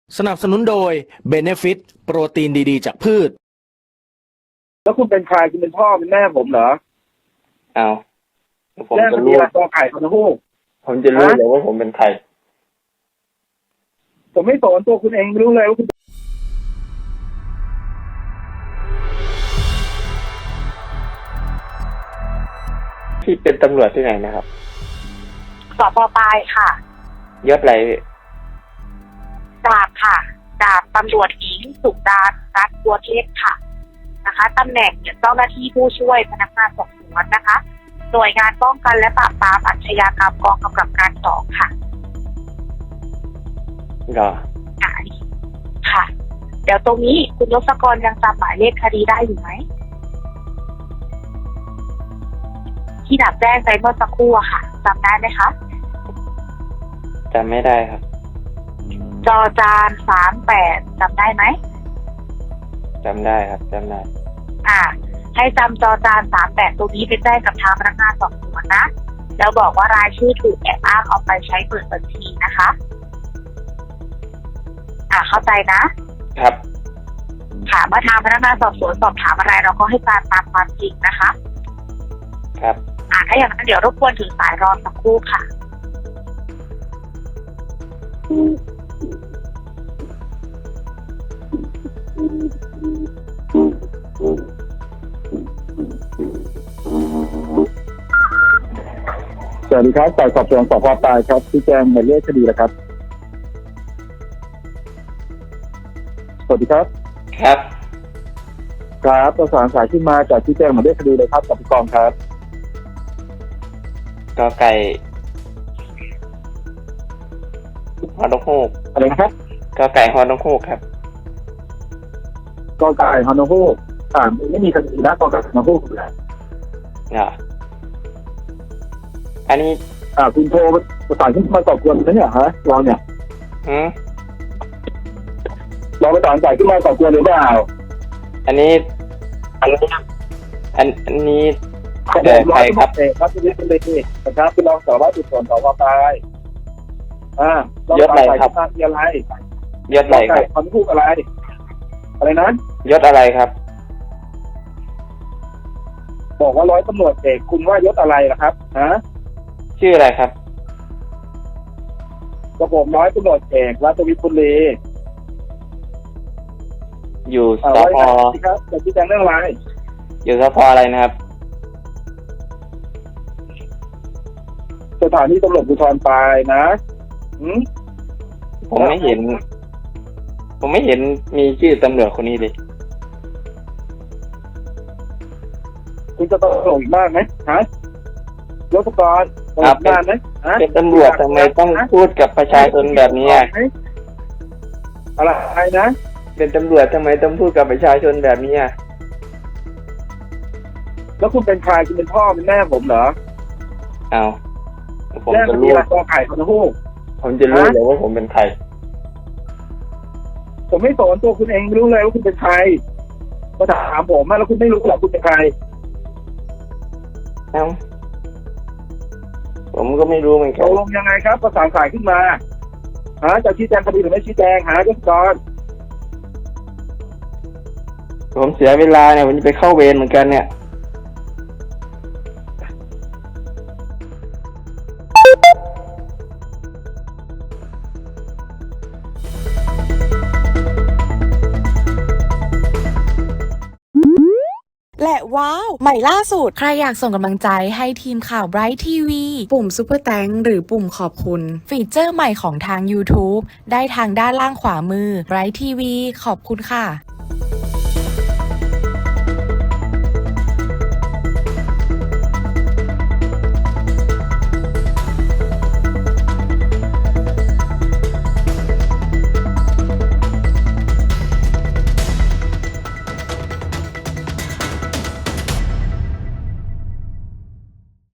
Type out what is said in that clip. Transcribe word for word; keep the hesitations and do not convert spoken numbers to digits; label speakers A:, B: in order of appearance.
A: สนับสนุนโดย Benefit โปรตีนดีๆจากพืช
B: แล้วคุณเป็นใครคุณเป็นพ่อเป็นแม่ผมเหรอ
C: เอาผม
B: แม่
C: จะ
B: มันมี
C: รู้
B: อะไรตัวไข่คนละหูก
C: ผมจะรู้เลยว่าผมเป็นใคร
B: ผมไม่สอนตัวคุณเองไม่รู้เลยว่าคุณ
C: ที่เป็นตำรวจที่ไหนนะครับ
D: สปปลายค่ะ
C: ยศอะไร
D: ดาบค่ะดาบตำรวจหญิงสุดารัตน์บัวเทพค่ะนะคะตำแหน่งเจ้าหน้าที่ผู้ช่วยพนักงานสอบสวนนะคะ หน่วยงานป้องกันและปราบปรามอาชญากรรมกองกำกับการสองค่ะ
C: เหรอ
D: อ่าค่ะ เดี๋ยวตรงนี้คุณยศกรยังจำหมายเลขคดีได้อยู่ไหมที่ดับแจ้งไปเมื่อสักครู่อะค่ะจำได้ไหมคะ
C: จำไม่ได้ครับ
D: จอจานสามแปดจำได้ไหม
C: จำได้ครับจำได้
D: อ่าให้จำจอจานสามแปดตรงนี้ไปแจ้งกับทางพนักงานสอบสวนนะแล้วบอกว่ารายชื่อถูกแอบอ้างเอาไปใช้เปิดบัญชีนะคะอ่าเข้าใจนะครับค่ะเมื่อทางพนักงานสอบสวนสอบถามอะไรเราก็ให้การตามความจริงนะคะ
C: ครับ
D: อ่าถ้าอย่างนั้นเดี๋ยวรบกวนถึงสายรอสักครู่ค่ะ
B: สวัสดีครับฝ่ายสอบสวนสพปลายครับที่แจ้งหมายเลขคดีแล้วครับสวัสดีครับ
C: ครับ
B: ครับประสานสายขึ้นมาจากที่แจ้งหมายเลขคดีเลยครับกับผู้กองครับ
C: กอไก่ฮอนกฮูก
B: อะไรนะครับ
C: กอไก่ฮอนกฮูกครับ
B: กอไก่ฮอนกฮูกอ่าไม่มีคดีนะกอไก่ฮอนกฮูกเลย
C: เหรออันนี้
B: อ่าคุณโทรประสานขึ้นมาก่อกวนนะเนี่ยฮะลองเนี่ย
C: อืม
B: ลองประสานสายขึ้นมาก่อกวนหรือเปล่า
C: อันนี้อันอันอันนี้เกิดใครครับ
B: เอกครับที่นี่เป็นเลยนี่นะครับคุณรองสารวัตรสืบสวนสพปลายอ่าย
C: ศอะไรครับ
B: ยศอะไร
C: ยศอะไรครับ
B: ฮอนกฮูกอะไรอะไรนะ
C: ยศอะไรครับ
B: บอกว่าร้อยตำรวจเอกคุณว่ายศอะไรล่ะครับฮะ
C: ชื่ออะไรครับ
B: กระผมร้อยตำรวจเอกรัตวิทย์บุรี
C: อยู่สพ
B: ครับจะชี้แจงเรื่องอะไร
C: อยู่สพอะไรนะครับ
B: สถานีตำรวจภูธรปลายนะอืม
C: ผมไม่เห็นผมไม่เห็นมีชื่อตำรวจคนนี้เลย
B: คุณจะต้องลงอีกมากไหมฮะยศกรลงอีกมากไหมฮะ
C: เป็นตำรวจทำไมต้องพูดกับประชาชนแบบนี้
B: อะไรนะ
C: เป็นตำรวจทำไมต้องพูดกับประชาชนแบบนี้อ่ะ
B: แล้วคุณเป็นใครคุณเป็นพ่อเป็นแม่ผมเหรอ
C: เอาผม
B: จะรู้ตัวไข่คนละหูก
C: ผมจะรู้เลยว่าผมเป็นใคร
B: ผมไม่สอนตัวคุณเองไม่รู้เลยว่าคุณเป็นใครมาถามผมแล้วคุณไม่รู้หรอกคุณเป็นใคร
C: เอ้าผมก็ไม่รู้เหมือนกัน
B: ตกลงยังไงครับประสานสายขึ้นมาหาจะชี้แจงคดีหรือไม่ชี้แจงหายศกร
C: ผมเสียเวลาเนี่ยผมจะไปเข้าเวรเหมือนกันเนี่ย
E: และว้าวใหม่ล่าสุดใครอยากส่งกำลังใจให้ทีมข่าว Bright ที วี ปุ่ม Super Thanks หรือปุ่มขอบคุณฟีเจอร์ใหม่ของทาง YouTube ได้ทางด้านล่างขวามือ Bright ที วี ขอบคุณค่ะ